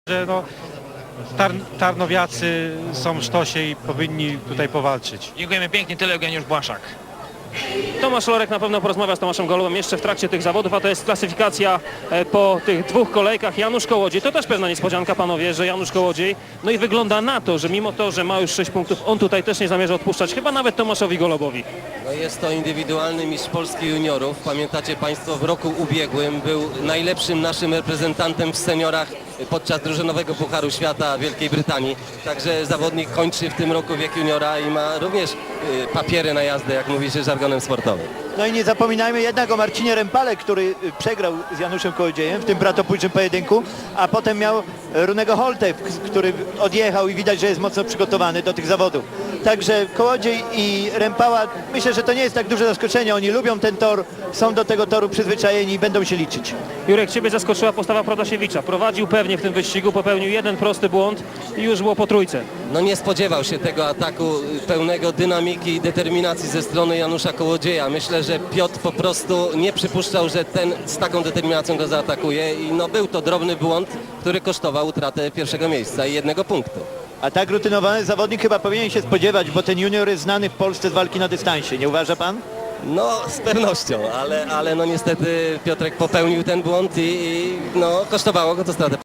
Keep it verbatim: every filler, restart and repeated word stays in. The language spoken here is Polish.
że no, tar tarnowiacy są w sztosie i powinni tutaj powalczyć. Dziękujemy pięknie, tyle Eugeniusz Błaszak. Tomasz Lorek na pewno porozmawia z Tomaszem Golubem jeszcze w trakcie tych zawodów, a to jest klasyfikacja e, po tych dwóch kolejkach. Janusz Kołodziej, to też pewna niespodzianka, panowie, że Janusz Kołodziej, no i wygląda na to, że mimo to, że ma już sześć punktów, on tutaj też nie zamierza odpuszczać, chyba nawet Tomaszowi Golubowi. No jest to indywidualny mistrz Polski juniorów. Pamiętacie Państwo, w roku ubiegłym był najlepszym naszym reprezentantem w seniorach podczas drużynowego Pucharu Świata Wielkiej Brytanii. Także zawodnik kończy w tym roku wiek juniora i ma również y, papiery na jazdę, jak mówi się żargonem sportowym. No i nie zapominajmy jednak o Marcinie Rempale, który przegrał z Januszem Kołodziejem w tym bratobójczym pojedynku, a potem miał Runego Holte, który odjechał i widać, że jest mocno przygotowany do tych zawodów. Także Kołodziej i Rempała, myślę, że to nie jest tak duże zaskoczenie. Oni lubią ten tor, są do tego toru przyzwyczajeni i będą się liczyć. Jurek, ciebie zaskoczyła postawa Protasiewicza. Prowadził pewnie w tym wyścigu, popełnił jeden prosty błąd i już było po trójce. No nie spodziewał się tego ataku pełnego dynamiki i determinacji ze strony Janusza Kołodzieja. Myślę, że Piotr po prostu nie przypuszczał, że ten z taką determinacją go zaatakuje i no był to drobny błąd, który kosztował utratę pierwszego miejsca i jednego punktu. A tak rutynowany zawodnik chyba powinien się spodziewać, bo ten junior jest znany w Polsce z walki na dystansie. Nie uważa pan? No z pewnością, ale, ale no niestety Piotrek popełnił ten błąd i, i no kosztowało go to stratę.